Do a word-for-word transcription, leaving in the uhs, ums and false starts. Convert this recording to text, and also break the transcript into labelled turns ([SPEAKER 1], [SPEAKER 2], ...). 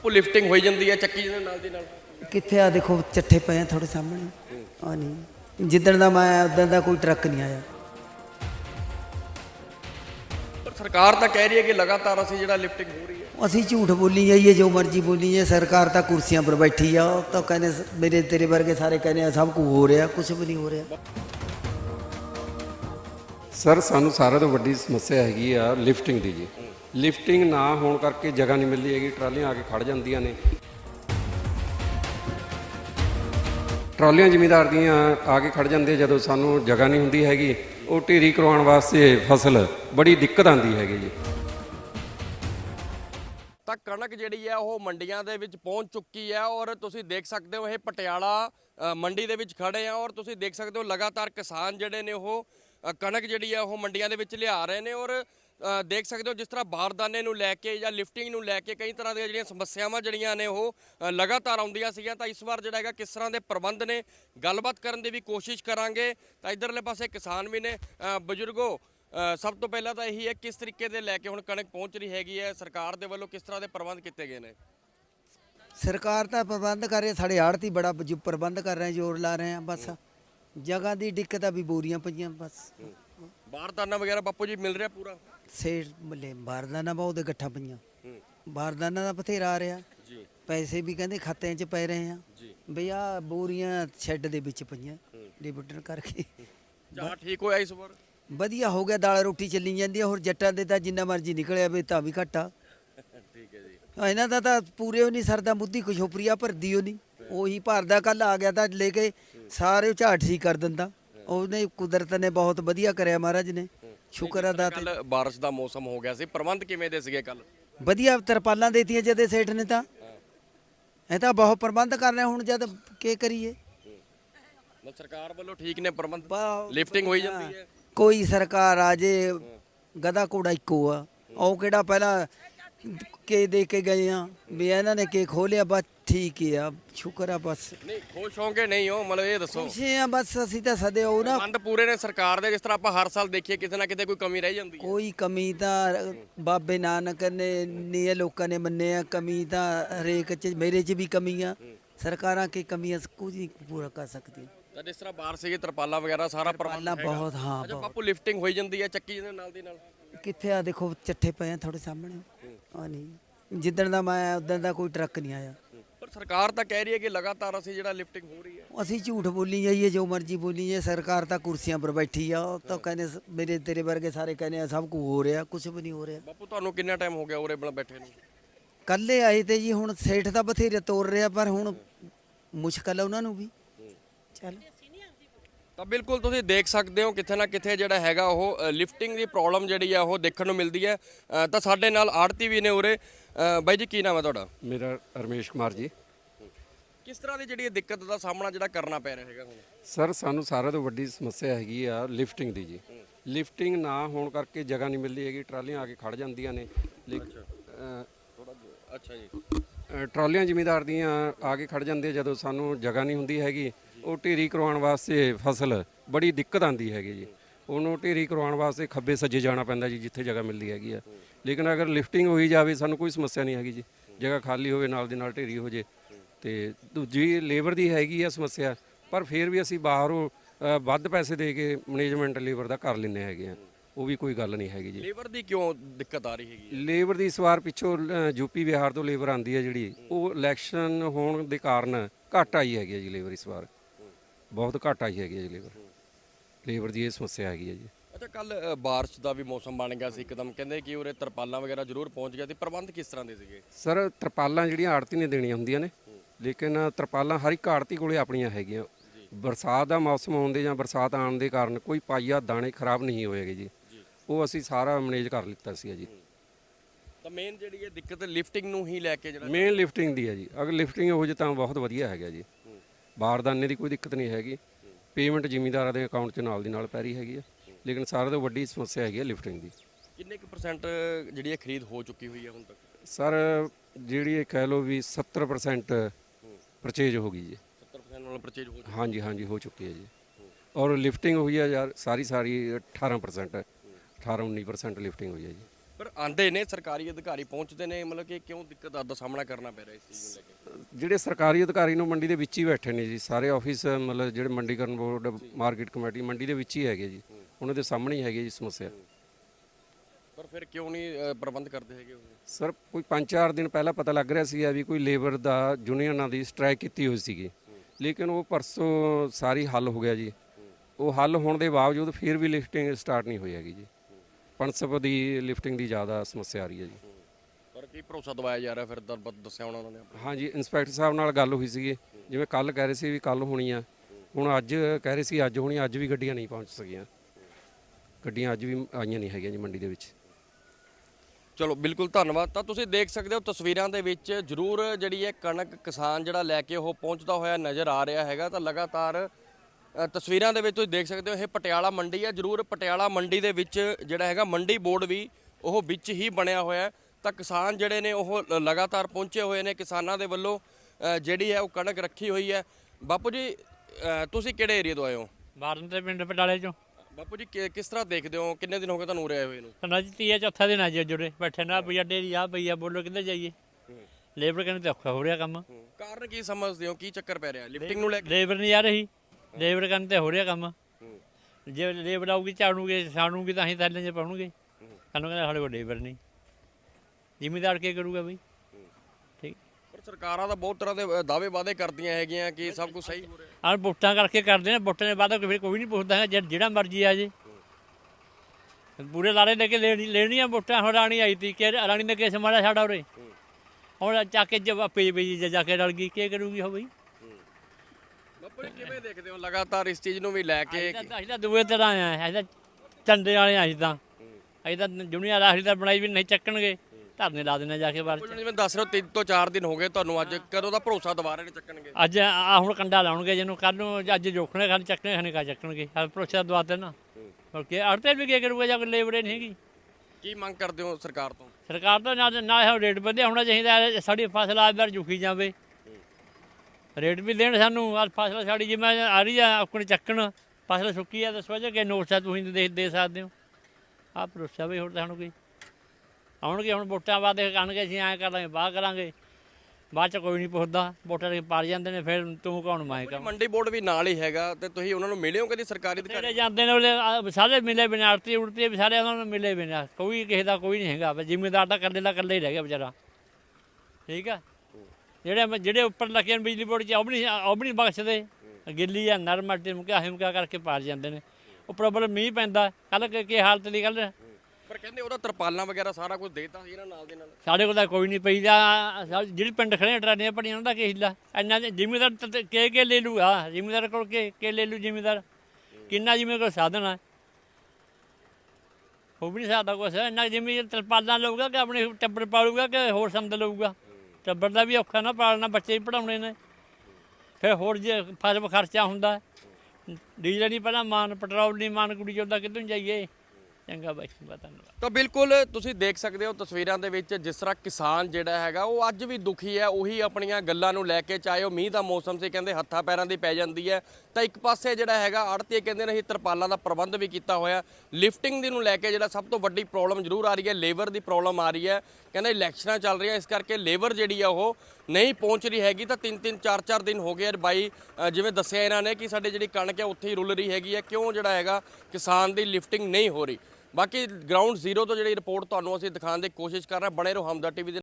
[SPEAKER 1] ਬਾਪੂ ਲਿਫਟਿੰਗ ਹੋਈ ਜਾਂਦੀ ਹੈ ਚੱਕੀ ਦੇ ਨਾਲ ਦੀ ਨਾਲ
[SPEAKER 2] ਕਿੱਥੇ ਆ ਦੇਖੋ ਚੱਠੇ ਪਏ ਆ ਤੁਹਾਡੇ ਸਾਹਮਣੇ ਆ ਨਹੀਂ ਜਿੱਦਣ ਦਾ ਮੈਂ ਆਇਆ ਉਦੋਂ ਦਾ ਕੋਈ ਟਰੱਕ ਨਹੀਂ ਆਇਆ।
[SPEAKER 1] ਪਰ ਸਰਕਾਰ ਤਾਂ ਕਹਿ ਰਹੀ ਹੈ ਕਿ ਲਗਾਤਾਰ ਅਸੀਂ ਜਿਹੜਾ ਲਿਫਟਿੰਗ ਹੋ ਰਹੀ ਹੈ।
[SPEAKER 2] ਅਸੀਂ ਝੂਠ ਬੋਲੀ ਜਾਈਏ ਜੋ ਮਰਜ਼ੀ ਬੋਲੀ ਜਾਈਏ, ਸਰਕਾਰ ਤਾਂ ਕੁਰਸੀਆਂ ਪਰ ਬੈਠੀ ਆ। ਉਹ ਤਾਂ ਕਹਿੰਦੇ ਮੇਰੇ ਤੇਰੇ ਵਰਗੇ ਸਾਰੇ ਕਹਿੰਦੇ ਆ ਸਭ ਕੁਝ ਹੋ ਰਿਹਾ, ਕੁਝ ਵੀ ਨਹੀਂ ਹੋ ਰਿਹਾ।
[SPEAKER 3] ਸਰ ਸਾਨੂੰ ਸਾਰਿਆਂ ਤੋਂ ਵੱਡੀ ਸਮੱਸਿਆ ਹੈਗੀ ਆ ਲਿਫਟਿੰਗ ਦੀ ਜੀ। ਲਿਫਟਿੰਗ ਨਾ ਹੋਣ ਕਰਕੇ ਜਗ੍ਹਾ ਨਹੀਂ ਮਿਲਦੀ ਹੈਗੀ, ਟਰਾਲੀਆਂ ਆ ਕੇ ਖੜ ਜਾਂਦੀਆਂ ਨੇ। ਟਰਾਲੀਆਂ ਜ਼ਿਮੀਂਦਾਰ ਦੀਆਂ ਆ ਕੇ ਖੜ ਜਾਂਦੇ ਜਦੋਂ ਸਾਨੂੰ ਜਗ੍ਹਾ ਨਹੀਂ ਹੁੰਦੀ ਹੈਗੀ। ਉਹ ਢੇਰੀ ਕਰਵਾਉਣ ਵਾਸਤੇ ਫਸਲ ਬੜੀ ਦਿੱਕਤ ਆਉਂਦੀ ਹੈਗੀ ਜੀ।
[SPEAKER 1] ਤਾਂ ਕਣਕ ਜਿਹੜੀ ਹੈ ਉਹ ਮੰਡੀਆਂ ਦੇ ਵਿੱਚ ਪਹੁੰਚ ਚੁੱਕੀ ਹੈ ਔਰ ਤੁਸੀਂ ਦੇਖ ਸਕਦੇ ਹੋ ਇਹ ਪਟਿਆਲਾ ਮੰਡੀ ਦੇ ਵਿੱਚ ਖੜੇ ਆ ਔਰ ਤੁਸੀਂ ਦੇਖ ਸਕਦੇ ਹੋ ਲਗਾਤਾਰ ਕਿਸਾਨ ਜਿਹੜੇ ਨੇ ਉਹ ਕਣਕ ਜਿਹੜੀ ਹੈ ਉਹ ਮੰਡੀਆਂ ਦੇ ਵਿੱਚ ਲਿਆ ਰਹੇ ਨੇ ਔਰ ਦੇਖ ਸਕਦੇ ਹੋ ਜਿਸ ਤਰ੍ਹਾਂ ਬਾਰਦਾਨੇ ਨੂੰ ਲੈ ਕੇ ਜਾਂ ਲਿਫਟਿੰਗ ਨੂੰ ਲੈ ਕੇ ਕਈ ਤਰ੍ਹਾਂ ਦੀਆਂ ਜਿਹੜੀਆਂ ਸਮੱਸਿਆਵਾਂ ਜਿਹੜੀਆਂ ਨੇ ਉਹ ਲਗਾਤਾਰ ਆਉਂਦੀਆਂ ਸੀਗੀਆਂ। ਤਾਂ ਇਸ ਵਾਰ ਜਿਹੜਾ ਹੈਗਾ ਕਿਸ ਤਰ੍ਹਾਂ ਦੇ ਪ੍ਰਬੰਧ ਨੇ ਗੱਲਬਾਤ ਕਰਨ ਦੀ ਵੀ ਕੋਸ਼ਿਸ਼ ਕਰਾਂਗੇ। ਤਾਂ ਇਧਰਲੇ ਪਾਸੇ ਕਿਸਾਨ ਵੀ ਨੇ। ਬਜ਼ੁਰਗੋ ਸਭ ਤੋਂ ਪਹਿਲਾਂ ਤਾਂ ਇਹੀ ਹੈ ਕਿਸ ਤਰੀਕੇ ਦੇ ਲੈ ਕੇ ਹੁਣ ਕਣਕ ਪਹੁੰਚ ਰਹੀ ਹੈਗੀ ਹੈ, ਸਰਕਾਰ ਦੇ ਵੱਲੋਂ ਕਿਸ ਤਰ੍ਹਾਂ ਦੇ ਪ੍ਰਬੰਧ ਕੀਤੇ ਗਏ ਨੇ?
[SPEAKER 2] ਸਰਕਾਰ ਤਾਂ ਪ੍ਰਬੰਧ ਕਰ ਰਹੀ, ਸਾਡੇ ਆੜਤੀ ਬੜਾ ਪ੍ਰਬੰਧ ਕਰ ਰਹੇ, ਜ਼ੋਰ ਲਾ ਰਹੇ ਆ। ਬਸ ਜਗ੍ਹਾ ਦੀ ਦਿੱਕਤ ਆ ਵੀ ਬੋਰੀਆਂ ਪਈਆਂ ਬਸ।
[SPEAKER 1] ਬਾਰਦਾਨਾ ਵਗੈਰਾ ਬਾਪੂ ਜੀ ਮਿਲ ਰਿਹਾ ਪੂਰਾ?
[SPEAKER 2] ਸੇਠ ਮੱਲੇ ਬਾਰਦਾਨਾ ਬਹੁਤ ਗੱਠਾਂ ਪਈਆਂ, ਬਾਰਦਾਨਾ ਦਾ ਬਥੇਰਾ ਆ ਰਿਹਾ ਜੀ। ਪੈਸੇ ਵੀ ਕਹਿੰਦੇ ਖਾਤਿਆਂ 'ਚ ਪੈ ਰਹੇ ਆ ਬਈ ਆ ਬੋਰੀਆਂ ਸ਼ੈੱਡ ਦੇ ਵਿੱਚ ਪਈਆਂ ਡਿਪਟਰ ਕਰਕੇ।
[SPEAKER 1] ਚਾਹ ਠੀਕ ਹੋਇਆ ਇਸ ਵਾਰ?
[SPEAKER 2] ਵਧੀਆ ਹੋ ਗਿਆ, ਦਾਲ ਰੋਟੀ ਚੱਲੀ ਜਾਂਦੀ ਆ। ਹੋਰ ਜੱਟਾਂ ਦੇ ਤਾਂ ਜਿੰਨਾ ਮਰਜ਼ੀ ਨਿਕਲਿਆ ਵੇ ਤਾਂ ਵੀ ਘਟਾ।
[SPEAKER 1] ਠੀਕ ਹੈ ਜੀ।
[SPEAKER 2] ਇਹਨਾਂ ਦਾ ਤਾਂ ਪੂਰੇ ਉਹ ਨਹੀਂ ਸਰਦਾ, ਮੁੱਦੀ ਖੁਸ਼ੋਪਰੀਆ ਭਰਦੀ ਉਹ ਨਹੀਂ, ਉਹੀ ਭਰਦਾ। ਕੱਲ ਆ ਗਿਆ ਤਾਂ ਲੈ ਕੇ ਸਾਰੇ ਝਾੜ ਠੀਕ ਕਰ ਦਿੰਦਾ। ਉਹਨੇ ਕੁਦਰਤ ਨੇ ਬਹੁਤ ਵਧੀਆ ਕਰਿਆ, ਮਹਾਰਾਜ ਨੇ ਸ਼ੁਕਰ ਅਦਾ।
[SPEAKER 1] ਕੱਲ ਬਾਰਿਸ਼ ਦਾ ਮੌਸਮ ਹੋ ਗਿਆ ਸੀ, ਪ੍ਰਬੰਧ ਕਿਵੇਂ ਦੇ ਸੀਗੇ ਕੱਲ?
[SPEAKER 2] ਵਧੀਆ ਤਰਪਾਲਾਂ ਦੇਤੀਆਂ ਜਦੇ ਸੇਠ ਨੇ ਤਾਂ। ਇਹ ਤਾਂ ਬਹੁਤ ਪ੍ਰਬੰਧ ਕਰ ਰਹੇ, ਹੁਣ ਜਦ ਕੀ ਕਰੀਏ।
[SPEAKER 1] ਸਰਕਾਰ ਵੱਲੋਂ ਠੀਕ ਨੇ ਪ੍ਰਬੰਧ, ਲਿਫਟਿੰਗ ਹੋਈ ਜਾਂਦੀ ਹੈ।
[SPEAKER 2] ਕੋਈ ਸਰਕਾਰ ਆ ਜੇ ਗਧਾ ਘੋੜਾ ਇੱਕੋ ਆ। ਉਹ ਕਿਹੜਾ ਪਹਿਲਾਂ ਕੇ ਦੇ ਕੇ ਗਏ ਆ ਵੀ ਇਹਨਾਂ ਨੇ ਕੇ ਖੋਲਿਆ, ਬਸ ਠੀਕ ਹੀ ਆ, ਸ਼ੁਕਰ ਆ ਬਸ।
[SPEAKER 1] ਨਹੀਂ ਖੁਸ਼ ਹੋਗੇ ਨਹੀਂ ਹੋ, ਮਤਲਬ ਇਹ ਦੱਸੋ।
[SPEAKER 2] ਖੁਸ਼ ਆ ਬਸ ਅਸੀਂ ਤਾਂ ਸਦੇ ਉਹ ਨਾ
[SPEAKER 1] ਪ੍ਰਬੰਧ ਪੂਰੇ ਨੇ ਸਰਕਾਰ ਦੇ, ਜਿਸ ਤਰ੍ਹਾਂ ਆਪਾਂ ਹਰ ਸਾਲ ਦੇਖੀਏ ਕਿਤੇ ਨਾ ਕਿਤੇ ਕੋਈ ਕਮੀ ਰਹਿ ਜਾਂਦੀ ਹੈ।
[SPEAKER 2] ਕੋਈ ਕਮੀ ਤਾਂ ਬਾਬੇ ਨਾਨਕ ਨੇ ਨੀ ਲੋਕਾਂ ਨੇ ਮੰਨਿਆ, ਕਮੀ ਤਾਂ ਹਰੇਕ ਚ ਮੇਰੇ ਚ ਵੀ ਕਮੀ ਆ। ਸਰਕਾਰਾਂ ਕੀ ਕਮੀਆਂ ਕੁਝ ਨਹੀਂ ਪੂਰਾ ਕਰ ਸਕਦੀ।
[SPEAKER 1] ਤਾਂ ਜਿਸ ਤਰ੍ਹਾਂ ਬਾਹਰ ਸੀਗੇ ਤਰਪਾਲਾਂ ਵਗੈਰਾ ਸਾਰਾ ਪ੍ਰਬੰਧ
[SPEAKER 2] ਪਹਿਲਾਂ ਬਹੁਤ ਹਾਂ
[SPEAKER 1] ਅੱਛਾ ਬਾਪੂ ਲਿਫਟਿੰਗ ਹੋਈ ਜਾਂਦੀ ਹੈ ਚੱਕੀ ਦੇ ਨਾਲ ਦੀ ਨਾਲ?
[SPEAKER 2] ਕਿੱਥੇ ਆ ਦੇਖੋ ਚੱਠੇ ਪਏ ਆ ਤੁਹਾਡੇ ਸਾਹਮਣੇ ਆ ਨਹੀਂ ਜਿੱਦਣ ਦਾ ਮੈਂ ਆਇਆ ਉਦੋਂ ਦਾ ਕੋਈ ਟਰੱਕ ਨਹੀਂ ਆਇਆ।
[SPEAKER 1] ਪਰ ਸਰਕਾਰ ਤਾਂ ਕਹਿ ਰਹੀ ਹੈ ਕਿ ਲਗਾਤਾਰ ਅਸੀਂ ਜਿਹੜਾ ਲਿਫਟਿੰਗ ਹੋ ਰਹੀ ਹੈ।
[SPEAKER 2] ਅਸੀਂ ਝੂਠ ਬੋਲੀ ਜਾਈਏ ਜੋ ਮਰਜ਼ੀ ਬੋਲੀ ਜਾਈਏ, ਸਰਕਾਰ ਤਾਂ ਕੁਰਸੀਆਂ ਪਰ ਬੈਠੀ ਆ। ਉਹ ਤਾਂ ਕਹਿੰਦੇ ਮੇਰੇ ਤੇਰੇ ਵਰਗੇ ਸਾਰੇ ਕਹਿੰਦੇ ਆ ਸਭ ਕੁਝ ਹੋ ਰਿਹਾ, ਕੁਝ ਵੀ ਨਹੀਂ ਹੋ ਰਿਹਾ।
[SPEAKER 1] ਬਾਪੂ ਤੁਹਾਨੂੰ ਕਿੰਨਾ ਟਾਈਮ ਹੋ ਗਿਆ ਉਰੇ ਬੈਠੇ ਨੂੰ?
[SPEAKER 2] ਕੱਲੇ ਆਏ ਤੇ ਜੀ, ਹੁਣ ਸੇਠ ਤਾਂ ਬਥੇਰੇ ਤੋਰ ਰਿਹਾ ਪਰ ਹੁਣ ਮੁਸ਼ਕਲ ਆ ਉਹਨਾਂ ਨੂੰ ਵੀ। ਚੱਲ
[SPEAKER 1] ਤਾਂ ਬਿਲਕੁਲ ਤੁਸੀਂ ਦੇਖ ਸਕਦੇ ਹੋ ਕਿਤੇ ਨਾ ਕਿਤੇ ਜਿਹੜਾ ਹੈਗਾ ਉਹ ਲਿਫਟਿੰਗ ਦੀ ਪ੍ਰੋਬਲਮ ਜਿਹੜੀ ਆ ਉਹ ਦੇਖਣ ਨੂੰ ਮਿਲਦੀ ਹੈ। ਤਾਂ ਸਾਡੇ ਨਾਲ ਆੜਤੀ ਵੀ ਨੇ ਉਰੇ। ਬਾਈ ਜੀ ਕੀ ਨਾਮ ਹੈ ਤੁਹਾਡਾ?
[SPEAKER 3] ਮੇਰਾ ਰਮੇਸ਼ ਕੁਮਾਰ ਜੀ।
[SPEAKER 1] ਕਿਸ ਤਰ੍ਹਾਂ ਦੀ ਜਿਹੜੀ ਦਿੱਕਤ ਦਾ ਸਾਹਮਣਾ ਜਿਹੜਾ ਕਰਨਾ ਪੈ ਰਿਹਾ ਹੈਗਾ ਹੁਣ?
[SPEAKER 3] ਸਰ ਸਾਨੂੰ ਸਾਰਿਆਂ ਤੋਂ ਵੱਡੀ ਸਮੱਸਿਆ ਹੈਗੀ ਆ ਲਿਫਟਿੰਗ ਦੀ ਜੀ। ਲਿਫਟਿੰਗ ਨਾ ਹੋਣ ਕਰਕੇ ਜਗ੍ਹਾ ਨਹੀਂ ਮਿਲਦੀ ਹੈਗੀ, ਟਰਾਲੀਆਂ ਆ ਕੇ ਖੜ ਜਾਂਦੀਆਂ ਨੇ।
[SPEAKER 1] ਅੱਛਾ ਜੀ।
[SPEAKER 3] ਟਰਾਲੀਆਂ ਜ਼ਿਮੀਂਦਾਰ ਦੀਆਂ ਆ ਕੇ ਖੜ ਜਾਂਦੇ ਜਦੋਂ ਸਾਨੂੰ ਜਗ੍ਹਾ ਨਹੀਂ ਹੁੰਦੀ ਹੈਗੀ। ਉਹ ਢੇਰੀ ਕਰਵਾਉਣ ਵਾਸਤੇ ਫਸਲ ਬੜੀ ਦਿੱਕਤ ਆਉਂਦੀ ਹੈਗੀ ਜੀ। ਉਹਨੂੰ ਢੇਰੀ ਕਰਵਾਉਣ ਵਾਸਤੇ ਖੱਬੇ ਸੱਜੇ ਜਾਣਾ ਪੈਂਦਾ ਜੀ ਜਿੱਥੇ ਜਗ੍ਹਾ ਮਿਲਦੀ ਹੈਗੀ ਆ। ਲੇਕਿਨ ਅਗਰ ਲਿਫਟਿੰਗ ਹੋਈ ਜਾਵੇ ਸਾਨੂੰ ਕੋਈ ਸਮੱਸਿਆ ਨਹੀਂ ਹੈਗੀ ਜੀ। ਜਗ੍ਹਾ ਖਾਲੀ ਹੋਵੇ ਨਾਲ ਦੀ ਨਾਲ ਢੇਰੀ ਹੋ ਜੇ। ਤੇ ਦੂਜੀ ਲੇਬਰ ਦੀ ਹੈਗੀ ਆ ਸਮੱਸਿਆ, ਪਰ ਫਿਰ ਵੀ ਅਸੀਂ ਬਾਹਰੋਂ ਵੱਧ ਪੈਸੇ ਦੇ ਕੇ ਮੈਨੇਜਮੈਂਟ ਲੇਬਰ ਦਾ ਕਰ ਲੈਂਦੇ ਹੈਗੇ ਆ। ਉਹ ਵੀ ਕੋਈ ਗੱਲ ਨਹੀਂ ਹੈਗੀ ਜੀ।
[SPEAKER 1] ਲੇਬਰ ਦੀ ਕਿਉਂ ਦਿੱਕਤ ਆ ਰਹੀ ਹੈਗੀ?
[SPEAKER 3] ਲੇਬਰ ਦੀ ਇਸ ਵਾਰ ਪਿੱਛੋਂ ਯੂਪੀ ਬਿਹਾਰ ਤੋਂ ਲੇਬਰ ਆਉਂਦੀ ਹੈ ਜਿਹੜੀ, ਉਹ ਇਲੈਕਸ਼ਨ ਹੋਣ ਦੇ ਕਾਰਨ ਘੱਟ ਆਈ ਹੈਗੀ ਹੈ ਜੀ। ਲੇਬਰ ਇਸ ਵਾਰ ਬਹੁਤ ਘੱਟ ਆਈ ਹੈਗੀ ਹੈ ਜੀ। ਲੇਬਰ ਲੇਬਰ ਦੀ ਇਹ ਸਮੱਸਿਆ ਹੈਗੀ ਹੈ ਜੀ।
[SPEAKER 1] ਅੱਛਾ ਕੱਲ ਬਾਰਿਸ਼ ਦਾ ਵੀ ਮੌਸਮ ਬਣ ਗਿਆ ਸੀ ਇੱਕਦਮ, ਕਹਿੰਦੇ ਕਿ ਉਰੇ ਤਰਪਾਲਾਂ ਵਗੈਰਾ ਜ਼ਰੂਰ ਪਹੁੰਚ ਗਿਆ ਸੀ, ਪ੍ਰਬੰਧ ਕਿਸ ਤਰ੍ਹਾਂ ਦੇ ਸੀਗੇ?
[SPEAKER 3] ਸਰ ਤਰਪਾਲਾਂ ਜਿਹੜੀਆਂ ਆੜਤੀ ਨੇ ਦੇਣੀਆਂ ਹੁੰਦੀਆਂ ਨੇ, ਲੇਕਿਨ ਤਰਪਾਲਾਂ ਹਰ ਇੱਕ ਆੜਤੀ ਕੋਲੇ ਆਪਣੀਆਂ ਹੈਗੀਆਂ। ਬਰਸਾਤ ਦਾ ਮੌਸਮ ਆਉਣ ਦੇ ਜਾਂ ਬਰਸਾਤ ਆਉਣ ਦੇ ਕਾਰਨ ਕੋਈ ਪਾਈਆ ਦਾਣੇ ਖਰਾਬ ਨਹੀਂ ਹੋਏਗੇ ਜੀ। ਉਹ ਅਸੀਂ ਸਾਰਾ ਮੈਨੇਜ ਕਰ ਲਿੱਤਾ ਸੀ ਜੀ।
[SPEAKER 1] ਤਾਂ ਮੇਨ ਜਿਹੜੀ ਇਹ ਦਿੱਕਤ ਲਿਫਟਿੰਗ ਨੂੰ ਹੀ ਲੈ ਕੇ ਜਿਹੜਾ
[SPEAKER 3] ਮੇਨ ਲਿਫਟਿੰਗ ਦੀ ਹੈ ਜੀ। ਅਗਰ ਲਿਫਟਿੰਗ ਹੋ ਜੇ ਤਾਂ ਬਹੁਤ ਵਧੀਆ ਹੈਗਾ ਜੀ। ਬਾਰਦਾਨੇ ਦੀ ਕੋਈ ਦਿੱਕਤ ਨਹੀਂ ਹੈਗੀ। ਪੇਮੈਂਟ ਜ਼ਿਮੀਂਦਾਰਾਂ ਦੇ ਅਕਾਊਂਟ 'ਚ ਨਾਲ ਦੀ ਨਾਲ ਪੈ ਰਹੀ ਹੈਗੀ ਆ। ਲੇਕਿਨ ਸਾਰਿਆਂ ਤੋਂ ਵੱਡੀ ਸਮੱਸਿਆ ਹੈਗੀ ਹੈ ਲਿਫਟਿੰਗ ਦੀ।
[SPEAKER 1] ਕਿੰਨੇ ਕੁ ਪਰਸੈਂਟ ਜਿਹੜੀ ਇਹ ਖਰੀਦ ਹੋ ਚੁੱਕੀ ਹੋਈ ਹੈ ਹੁਣ ਤੱਕ?
[SPEAKER 3] ਸਰ ਜਿਹੜੀ ਇਹ ਕਹਿ ਲਓ ਵੀ ਸੱਤਰ ਪਰਸੈਂਟ ਪਰਚੇਜ ਹੋ ਗਈ ਜੀ।
[SPEAKER 1] ਸੱਤਰ ਪਰਸੈਂਟ ਨਾਲ ਪਰਚੇਜ ਹੋ ਚੁੱਕੀ?
[SPEAKER 3] ਹਾਂਜੀ ਹਾਂਜੀ ਹੋ ਚੁੱਕੀ ਹੈ ਜੀ। ਔਰ ਲਿਫਟਿੰਗ ਹੋਈ ਹੈ ਯਾਰ ਸਾਰੀ ਸਾਰੀ ਅਠਾਰਾਂ ਪਰਸੈਂਟ ਅਠਾਰਾਂ ਉੱਨੀ ਪਰਸੈਂਟ ਲਿਫਟਿੰਗ ਹੋਈ ਹੈ ਜੀ।
[SPEAKER 1] ਪਰ ਆਂਦੇ ਨੇ ਸਰਕਾਰੀ ਅਧਿਕਾਰੀ ਪਹੁੰਚਦੇ ਨੇ, ਮਤਲਬ ਕਿ ਕਿਉਂ ਦਿੱਕਤ ਦਾ ਸਾਹਮਣਾ ਕਰਨਾ ਪੈ ਰਿਹਾ ਇਸ ਚੀਜ਼ ਨੂੰ ਲੈ ਕੇ?
[SPEAKER 3] ਜਿਹੜੇ ਸਰਕਾਰੀ ਅਧਿਕਾਰੀ ਨੂੰ ਮੰਡੀ ਦੇ ਵਿੱਚ ਹੀ ਬੈਠੇ ਨੇ ਜੀ, ਸਾਰੇ ਆਫਿਸ ਮਤਲਬ ਜਿਹੜੇ ਮੰਡੀਕਰਨ ਬੋਰਡ, ਮਾਰਕੀਟ ਕਮੇਟੀ ਮੰਡੀ ਦੇ ਵਿੱਚ ਹੀ ਹੈਗੇ ਜੀ, ਉਹਨਾਂ ਦੇ ਸਾਹਮਣੇ ਹੀ ਹੈਗੀ ਜੀ ਸਮੱਸਿਆ।
[SPEAKER 1] ਪਰ ਫਿਰ ਕਿਉਂ ਨਹੀਂ ਅ, ਪ੍ਰਬੰਧ ਕਰਦੇ ਹੈਗੇ ਉਹ?
[SPEAKER 3] ਸਰ ਕੋਈ ਪੰਜ ਚਾਰ ਦਿਨ ਪਹਿਲਾਂ ਪਤਾ ਲੱਗ ਰਿਹਾ ਸੀ ਵੀ ਕੋਈ ਲੇਬਰ ਦਾ ਯੂਨੀਅਨਾਂ ਦੀ ਸਟ੍ਰਾਈਕ ਕੀਤੀ ਹੋਈ ਸੀਗੀ, ਲੇਕਿਨ ਉਹ ਪਰਸੋਂ ਸਾਰੀ ਹੱਲ ਹੋ ਗਿਆ ਜੀ। ਉਹ ਹੱਲ ਹੋਣ ਦੇ ਬਾਵਜੂਦ ਫਿਰ ਵੀ ਲਿਫਟਿੰਗ ਸਟਾਰਟ ਨਹੀਂ ਹੋਈ ਹੈਗੀ ਜੀ। ਪਨਸਪ ਦੀ ਲਿਫਟਿੰਗ ਦੀ ਜ਼ਿਆਦਾ ਸਮੱਸਿਆ ਆ ਰਹੀ ਹੈ ਜੀ।
[SPEAKER 1] ਪਰ ਕੀ ਭਰੋਸਾ ਦਵਾਇਆ ਜਾ ਰਿਹਾ ਫਿਰ ਦਰ ਦੱਸਿਆ ਉਹਨਾਂ ਨੇ ਆਪਣਾ?
[SPEAKER 3] ਹਾਂਜੀ, ਇੰਸਪੈਕਟਰ ਸਾਹਿਬ ਨਾਲ ਗੱਲ ਹੋਈ ਸੀਗੀ, ਜਿਵੇਂ ਕੱਲ ਕਹਿ ਰਹੇ ਸੀ ਵੀ ਕੱਲ ਹੋਣੀ ਆ, ਹੁਣ ਅੱਜ ਕਹਿ ਰਹੇ ਸੀ ਅੱਜ ਹੋਣੀ, ਅੱਜ ਵੀ ਗੱਡੀਆਂ ਨਹੀਂ ਪਹੁੰਚ ਸਕੀਆਂ, ਗੱਡੀਆਂ ਅੱਜ ਵੀ ਆਈਆਂ ਨਹੀਂ ਹੈਗੀਆਂ ਜੀ ਮੰਡੀ ਦੇ ਵਿੱਚ।
[SPEAKER 1] ਚਲੋ ਬਿਲਕੁਲ ਧੰਨਵਾਦ। ਤਾਂ ਤੁਸੀਂ ਦੇਖ ਸਕਦੇ ਹੋ ਤਸਵੀਰਾਂ ਦੇ ਵਿੱਚ ਜ਼ਰੂਰ ਜਿਹੜੀ ਹੈ ਕਣਕ ਕਿਸਾਨ ਜਿਹੜਾ ਲੈ ਕੇ ਉਹ ਪਹੁੰਚਦਾ ਹੋਇਆ ਨਜ਼ਰ ਆ ਰਿਹਾ ਹੈਗਾ। ਤਾਂ ਲਗਾਤਾਰ ਅ, ਤਸਵੀਰਾਂ ਦੇ ਵਿੱਚ ਤੁਸੀਂ ਦੇਖ ਸਕਦੇ ਹੋ ਇਹ ਪਟਿਆਲਾ ਮੰਡੀ ਹੈ। ਜ਼ਰੂਰ ਪਟਿਆਲਾ ਮੰਡੀ ਦੇ ਵਿੱਚ ਜਿਹੜਾ ਹੈਗਾ ਮੰਡੀ ਬੋਰਡ ਵੀ ਉਹ ਵਿੱਚ ਹੀ ਬਣਿਆ ਹੋਇਆ ਹੈ। ਤਾਂ ਕਿਸਾਨ ਜਿਹੜੇ ਨੇ ਉਹ ਲ- ਲਗਾਤਾਰ ਪਹੁੰਚੇ ਹੋਏ ਨੇ। ਕਿਸਾਨਾਂ ਦੇ ਵੱਲੋਂ ਅ, ਜਿਹੜੀ ਹੈ ਉਹ ਕਣਕ ਰੱਖੀ ਹੋਈ ਹੈ। ਬਾਪੂ ਜੀ ਅ, ਤੁਸੀਂ ਕਿਹੜੇ ਏਰੀਆ ਤੋਂ ਆਏ ਹੋ?
[SPEAKER 4] ਬਾਰਨ ਤੇ ਪਿੰਡ ਪਟਾਲੇ ਚੋਂ
[SPEAKER 1] ਬਾਪੂ ਜੀ ਕਿ- ਕਿਸ ਤਰ੍ਹਾਂ ਦੇਖਦੇ ਹੋ, ਕਿੰਨੇ ਦਿਨ ਹੋ ਗਏ ਤੁਹਾਨੂੰ ਉਰੇ ਆਏ ਹੋਏ ਨੂੰ?
[SPEAKER 4] ਕਹਿੰਦਾ ਜੀ ਤੀਆ ਚੌਥਾ ਦਿਨ ਆ ਜੀ ਜੁੜੇ ਬੈਠੇ ਨਾ ਪਈਆ ਡੇਰੀ ਆ ਪਈਆ, ਬੋਲੋ ਕਿੱਧਰ ਜਾਈਏ? ਲੇਬਰ ਕਹਿੰਦੇ ਤੇ ਔਖਾ ਹੋ ਰਿਹਾ ਕੰਮ,
[SPEAKER 1] ਕਾਰਨ ਕੀ ਸਮਝਦੇ ਹੋ, ਕੀ ਚੱਕਰ ਪੈ ਰਿਹਾ ਲਿਫਟਿੰਗ ਨੂੰ ਲੈ ਕੇ?
[SPEAKER 4] ਲੇਬਰ ਨਹੀਂ ਆ ਰਹੀ, ਲੇਬਰ ਕਹਿੰਦੇ ਤੇ ਹੋ ਰਿਹਾ ਕੰਮ। ਜੇ ਲੇਬਰ ਆਊਗੀ ਝਾੜੂਗੇ ਛਾਣੂਗੀ ਤਾਂ ਅਸੀਂ ਥੱਲੇ ਜੇ ਪਾਉਣਗੇ, ਸਾਨੂੰ ਕਹਿੰਦਾ ਸਾਡੇ ਕੋਲ ਲੇਬਰ ਨਹੀਂ, ਜ਼ਿਮੀਦਾਰ ਕੀ ਕਰੂਗਾ ਬਈ? ਠੀਕ
[SPEAKER 1] ਪਰ ਸਰਕਾਰਾਂ ਤਾਂ ਬਹੁਤ ਤਰ੍ਹਾਂ ਦੇ ਦਾਅਵੇ ਵਾਅਦੇ ਕਰਦੀਆਂ ਹੈਗੀਆਂ ਕਿ ਸਭ ਕੁਝ ਸਹੀ ਹੋ ਰਿਹਾ।
[SPEAKER 4] ਆਹ ਵੋਟਾਂ ਕਰਕੇ ਕਰਦੇ ਨੇ, ਵੋਟਾਂ ਦੇ ਬਾਅਦ ਫਿਰ ਕੋਈ ਨਹੀਂ ਪੁੱਛਦਾ ਹੈ, ਜਿਹੜਾ ਜਿਹੜਾ ਮਰਜ਼ੀ ਆ ਜੇ ਪੂਰੇ ਲਾਰੇ ਲੈ ਕੇ ਲੈਣੀ ਲੈਣੀਆਂ ਵੋਟਾਂ। ਹੁਣ ਰਾਣੀ ਆਈ ਤੀ ਕਿ ਰਾਣੀ ਨੇ ਕੇਸ ਮਾਰਿਆ ਸਾਡਾ ਉਰੇ, ਹੁਣ ਚੱਕ ਕੇ ਜਵਾ ਪਈ ਪਈ ਜਾ ਕੇ ਰਲ ਗਈ, ਕੀ ਕਰੂਗੀ ਉਹ ਬਈ?
[SPEAKER 1] ਬਾਪੂ ਜੀ ਕਿਵੇਂ ਦੇਖਦੇ ਹੋ ਲਗਾਤਾਰ ਇਸ ਚੀਜ਼ ਨੂੰ ਵੀ ਲੈ ਕੇ?
[SPEAKER 4] ਅਸੀਂ ਤਾਂ ਦੂਏ ਤਰ੍ਹਾਂ ਆਏ, ਅਸੀਂ ਤਾਂ ਚੰਡੇ ਵਾਲੇ ਆ, ਅਸੀਂ ਤਾਂ ਅਸੀਂ ਤਾਂ ਦੁਨੀਆ ਰਾਖੀ ਤਾਂ ਬਣਾਈ ਵੀ ਨਹੀਂ ਚੱਕਣਗੇ, ਧਰਨੇ ਲਾ ਦੇਣੇ ਜਾ ਕੇ ਬਾਹਰ ਚ।
[SPEAKER 1] ਜਿਵੇਂ ਦੱਸ ਰਹੇ ਹੋ ਤਿੰਨ ਤੋਂ ਚਾਰ ਦਿਨ ਹੋ ਗਏ ਤੁਹਾਨੂੰ, ਅੱਜ ਕਦੋਂ ਦਾ ਭਰੋਸਾ ਦਵਾ ਰਹੇ ਨੇ ਚੱਕਣਗੇ?
[SPEAKER 4] ਅੱਜ ਆ ਹੁਣ ਕੰਡਾ ਲਾਉਣਗੇ, ਜਿਹਨੂੰ ਕੱਲ ਨੂੰ ਅੱਜ ਜੋਖਣੇ ਖਾਣ ਚੱਕਣੇ ਖਾਣੇ ਕਾ ਚੱਕਣਗੇ, ਆ ਭਰੋਸਾ ਦਵਾ ਦੇਣਾ। ਹੋਰ ਕੀ ਅੜਤੇ ਵੀ ਕੀ ਕਰੂਗਾ ਜਾ ਕੇ ਲੇਬਰ ਨਹੀਂ ਹੈਗੀ।
[SPEAKER 1] ਕੀ ਮੰਗ ਕਰਦੇ ਹੋ ਸਰਕਾਰ ਤੋਂ?
[SPEAKER 4] ਸਰਕਾਰ ਦਾ ਨਾ ਨਾ ਇਹ ਰੇਟ ਵਧਿਆ ਹੋਣਾ ਚਾਹੀਦਾ ਹੈ, ਸਾਡੀ ਫਸਲ ਆਜ ਵਾਰ ਜੁਖੀ ਜਾਵੇ, ਰੇਟ ਵੀ ਦੇਣ ਸਾਨੂੰ। ਆ ਫਸਲ ਸਾਡੀ ਜਿਵੇਂ ਆ ਰਹੀ ਆ ਆਪਣੇ ਚੱਕਣ, ਫਸਲ ਸੁੱਕੀ ਆ ਦੱਸੋ ਜੇ ਕਿ ਨੋਟਸ ਆ ਤੁਸੀਂ ਦੇ ਦੇ ਸਕਦੇ ਹੋ। ਆਹ ਭਰੋਸਾ ਵੀ ਹੋਰ ਤਾਂ ਸਾਨੂੰ ਕੋਈ ਆਉਣਗੇ ਹੁਣ ਵੋਟਾਂ ਬਾਅਦ ਕਹਣਗੇ ਅਸੀਂ ਐਂ ਕਰ ਲਾਂਗੇ ਬਾਹ ਕਰਾਂਗੇ, ਬਾਅਦ ਚ ਕੋਈ ਨਹੀਂ ਪੁੱਛਦਾ, ਵੋਟਾਂ ਦੇ ਪਾਰ ਜਾਂਦੇ ਨੇ, ਫਿਰ ਤੂੰ ਕੌਣ ਮੈਂ ਕਹਾਂ।
[SPEAKER 1] ਮੰਡੀ ਬੋਰਡ ਵੀ ਨਾਲ ਹੀ ਹੈਗਾ ਤੇ ਤੁਸੀਂ ਉਹਨਾਂ ਨੂੰ ਮਿਲੇ ਹੋ ਕਦੀ ਸਰਕਾਰੀ ਅਧਿਕਾਰੀ?
[SPEAKER 4] ਜਿਹੜੇ ਜਾਂਦੇ ਨੇ ਉਹਦੇ ਆਹ ਸਾਰੇ ਮਿਲੇ ਬਿਨਾਂ, ਆੜਤੀ ਉੜਤੀ ਵੀ ਸਾਰੇ ਉਹਨਾਂ ਨੂੰ ਮਿਲੇ ਬਿਨਾਂ, ਕੋਈ ਕਿਸੇ ਦਾ ਕੋਈ ਨਹੀਂ ਹੈਗਾ। ਬਸ ਜ਼ਿਮੀਦਾਰ ਤਾਂ ਇਕੱਲੇ ਦਾ ਇਕੱਲੇ ਹੀ ਰਹਿ ਗਿਆ ਵਿਚਾਰਾ। ਠੀਕ ਆ, ਜਿਹੜੇ ਜਿਹੜੇ ਉੱਪਰ ਲੱਗੇ ਨੇ ਬਿਜਲੀ ਬੋਰਡ 'ਚ ਉਹ ਵੀ ਨਹੀਂ ਉਹ ਵੀ ਨਹੀਂ ਬਖਸ਼ਦੇ, ਗਿੱਲੀ ਆ ਨਰਮ ਮੱਟੀ ਮੁਕਾ ਹਿਮਕਾ ਕਰਕੇ ਪਾਰ ਜਾਂਦੇ ਨੇ। ਉੱਪਰ ਉੱਪਰ ਮੀਂਹ ਪੈਂਦਾ, ਕੱਲ ਕੀ ਹਾਲਤ ਦੀ ਕੱਲ
[SPEAKER 1] ਪਰ ਕਹਿੰਦੇ ਉਹਦਾ ਤਰਪਾਲਾਂ ਵਗੈਰਾ ਸਾਰਾ ਕੁਝ ਦੇਤਾ ਸੀ ਇਹਨਾਂ ਨਾਲ ਦੇ ਨਾਲ।
[SPEAKER 4] ਸਾਡੇ ਕੋਲ ਤਾਂ ਕੋਈ ਨਹੀਂ ਪਈ ਦਾ, ਜਿਹੜੀ ਪਿੰਡ ਖੜੇ ਟਰਾਲੀਆਂ ਭੜੀਆਂ ਉਹਨਾਂ ਦਾ ਕੀ ਹਿੱਲਾ? ਇੰਨਾ ਜ਼ਿਮੀਦਾਰ ਕੇ ਕੇ ਲੈ ਲੂਗਾ, ਜ਼ਿਮੀਦਾਰ ਕੋਲ ਕੇ ਕੇ ਲੈ ਲੂ ਜ਼ਿਮੀਦਾਰ, ਕਿੰਨਾ ਜਿਵੇਂ ਕੋਲ ਸਾਧਨ ਆ ਉਹ ਵੀ ਨਹੀਂ ਸਕਦਾ ਕੁਛ। ਇੰਨਾ ਜਿਵੇਂ ਤਰਪਾਲਾਂ ਲਊਗਾ ਕਿ ਆਪਣੇ ਟੱਬਰ ਪਾਲੂਗਾ ਕਿ ਹੋਰ ਸੰਦ ਲਊਗਾ? ਟੱਬਰ ਦਾ ਵੀ ਔਖਾ ਨਾ ਪਾਲਣਾ, ਬੱਚੇ ਵੀ ਪੜਾਉਣੇ ਨੇ, ਫਿਰ ਹੋਰ ਜੇ ਫਸਲ ਖਰਚਾ ਹੁੰਦਾ, ਡੀਜ਼ਲ ਨਹੀਂ ਪਹਿਲਾਂ ਮਾਨ, ਪੈਟਰੋਲ ਨਹੀਂ ਮਾਨ, ਕੁੜੀ ਚੋਂ ਕਿੱਦੋਂ ਜਾਈਏ? ਚੰਗਾ ਬਾਈ, ਧੰਨਵਾਦ।
[SPEAKER 1] ਤਾਂ ਬਿਲਕੁਲ ਤੁਸੀਂ ਦੇਖ ਸਕਦੇ ਹੋ ਤਸਵੀਰਾਂ ਦੇ ਵਿੱਚ ਜਿਸ ਤਰ੍ਹਾਂ ਕਿਸਾਨ ਜਿਹੜਾ ਹੈਗਾ ਉਹ ਅੱਜ ਵੀ ਦੁਖੀ ਹੈ। ਉਹੀ ਆਪਣੀਆਂ ਗੱਲਾਂ ਨੂੰ ਲੈ ਕੇ, ਚਾਹੇ ਉਹ ਮੀਂਹ ਦਾ ਮੌਸਮ ਸੀ, ਕਹਿੰਦੇ ਹੱਥਾਂ ਪੈਰਾਂ ਦੀ ਪੈ ਜਾਂਦੀ ਹੈ। ਤਾਂ ਇੱਕ ਪਾਸੇ ਜਿਹੜਾ ਹੈਗਾ ਆੜ੍ਹਤੀਏ ਕਹਿੰਦੇ ਨੇ ਅਸੀਂ ਤਰਪਾਲਾਂ ਦਾ ਪ੍ਰਬੰਧ ਵੀ ਕੀਤਾ ਹੋਇਆ। ਲਿਫਟਿੰਗ ਦੀ ਨੂੰ ਲੈ ਕੇ ਜਿਹੜਾ ਸਭ ਤੋਂ ਵੱਡੀ ਪ੍ਰੋਬਲਮ ਜ਼ਰੂਰ ਆ ਰਹੀ ਹੈ, ਲੇਬਰ ਦੀ ਪ੍ਰੋਬਲਮ ਆ ਰਹੀ ਹੈ। ਕਹਿੰਦੇ ਇਲੈਕਸ਼ਨਾਂ ਚੱਲ ਰਹੀਆਂ, ਇਸ ਕਰਕੇ ਲੇਬਰ ਜਿਹੜੀ ਆ ਉਹ ਨਹੀਂ ਪਹੁੰਚ ਰਹੀ ਹੈਗੀ। ਤਾਂ ਤਿੰਨ ਤਿੰਨ ਚਾਰ ਚਾਰ ਦਿਨ ਹੋ ਗਏ ਬਾਈ, ਅ, ਜਿਵੇਂ ਦੱਸਿਆ ਇਹਨਾਂ ਨੇ ਕਿ ਸਾਡੀ ਜਿਹੜੀ ਕਣਕ ਹੈ ਉੱਥੇ ਹੀ ਰੁਲ ਰਹੀ ਹੈਗੀ ਹੈ। ਕਿਉਂ ਜਿਹੜਾ ਹੈਗਾ ਕਿਸਾਨ ਦੀ ਲਿਫਟਿੰਗ ਨਹੀਂ ਹੋ ਰਹੀ? ਬਾਕੀ ਗਰਾਊਂਡ ਜ਼ੀਰੋ ਤੋਂ ਜਿਹੜੀ ਰਿਪੋਰਟ ਤੁਹਾਨੂੰ ਅਸੀਂ ਦਿਖਾਉਣ ਦੀ ਕੋਸ਼ਿਸ਼ ਕਰ ਰਹੇ ਹਾਂ। ਬਣੇ ਰਹੋ ਹਮਦਰ ਟੀਵੀ ਦੇ।